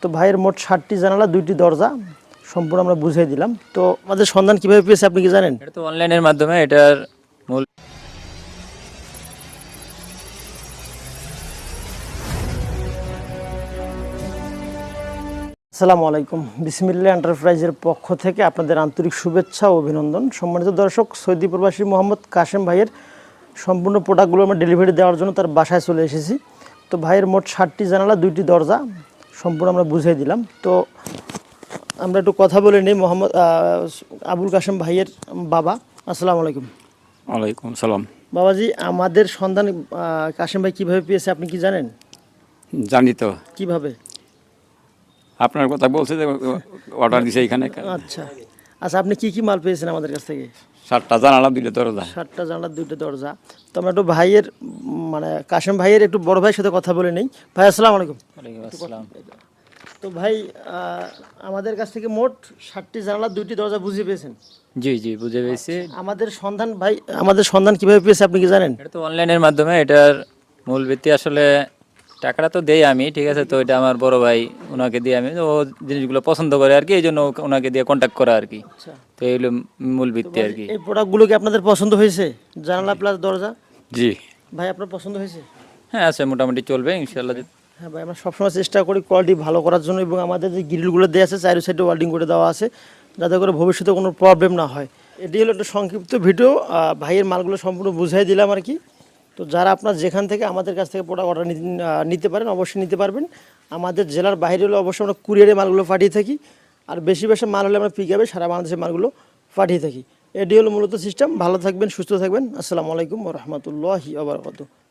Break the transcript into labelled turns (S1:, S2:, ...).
S1: তো ভাইয়ের মোট 7টি জানালা 2টি দরজা সম্পূর্ণ আমরা বুঝিয়ে দিলাম। তো আমাদের সন্ধান কিভাবে পেয়েছে আপনি কি জানেন?
S2: এটা তো অনলাইনের মাধ্যমে এটার মূল
S1: আসসালামু আলাইকুম, বিসমিল্লাহ এন্টারপ্রাইজের পক্ষ থেকে আপনাদের আন্তরিক শুভেচ্ছা ও অভিনন্দন। সম্মানিত দর্শক, সৌদি প্রবাসী মোহাম্মদ কাশেম ভাইয়ের সম্পূর্ণ প্রোডাক্টগুলো আমরা ডেলিভারি দেওয়ার জন্য তার বাসায় চলে এসেছি। তো ভাইয়ের মোট 7টি জানালা 2টি দরজা সম্পূর্ণ আমরা বুঝিয়ে দিলাম। তো আমরা একটু কথা বলে নিই মোহাম্মদ আবুল কাশেম ভাইয়ের বাবা। আসসালামু আলাইকুম।
S3: ওয়ালাইকুম সালাম।
S1: বাবাজি, আমাদের সন্ধান কাশেম ভাই কীভাবে পেয়েছে আপনি কি জানেন?
S3: জানি তো,
S1: কিভাবে?
S3: আপনার কথা বলছে যে অর্ডার দিছে এখানে।
S1: আচ্ছা আচ্ছা, আপনি কি কি মাল পেয়েছেন আমাদের কাছ থেকে?
S3: 7টা জানালা 2টা দরজা।
S1: 7টা জানলার 2টা দরজা। তো আমরা একটু ভাইয়ের মানে কাশেম ভাইয়ের একটু বড় ভাইয়ের সাথে কথা বলে নেই। ভাই আসসালামু আলাইকুম।
S2: ওয়ালাইকুম আসসালাম।
S1: তো ভাই, আমাদের কাছ থেকে মোট 7টি জানলার 2টি দরজা বুঝিয়ে পেয়েছেন?
S2: জি জি, বুঝে পেয়েছি।
S1: আমাদের সন্ধান কিভাবে পেয়েছে আপনি কি জানেন?
S2: এটা তো অনলাইনের মাধ্যমে এটার মূল ভিত্তি আসলে টাকাটা তো দেই আমি, ঠিক আছে। তো এটা আমার বড় ভাই, ওনাকে দিয়ে আমি ও জিনিসগুলো পছন্দ করে আর কি, এই জন্য ওনাকে দিয়ে কন্ট্যাক্ট করা আর কি।
S1: আচ্ছা,
S2: তো এইগুলো মূল ভিত্তি আর কি।
S1: এই প্রোডাক্টগুলো কি আপনাদের পছন্দ হয়েছে? জানালা প্লাস দরজা
S3: জি
S1: ভাই আপনার পছন্দ হয়েছে?
S2: হ্যাঁ আছে, মোটামুটি চলবে ইনশাল্লাহ।
S1: হ্যাঁ ভাই, আমরা সবসময় চেষ্টা করি কোয়ালিটি ভালো করার জন্য, এবং আমাদের যে গ্রিলগুলো দেওয়া আছে চারি সাইডে ওয়েল্ডিং করে দেওয়া আছে যাতে করে ভবিষ্যতে কোনো প্রবলেম না হয়। এটি হলো একটা সংক্ষিপ্ত ভিডিও, ভাইয়ের মালগুলো সম্পূর্ণ বুঝাই দিলাম আর কি। তো যারা আপনার যেখান থেকে আমাদের কাছ থেকে প্রোডাক্ট অর্ডার নিতে পারেন অবশ্যই নিতে পারবেন। আমাদের জেলার বাইরে হলে অবশ্যই আমরা কুরিয়ারে মালগুলো পাঠিয়ে থাকি, আর বেশি বেশি মাল হলে আমরা পিক আপে সারা বাংলাদেশের মালগুলো পাঠিয়ে থাকি। এটি হলো মূলত সিস্টেম। ভালো থাকবেন, সুস্থ থাকবেন। আসসালামু আলাইকুম ওয়া রাহমাতুল্লাহি ওয়া বারাকাতুহু।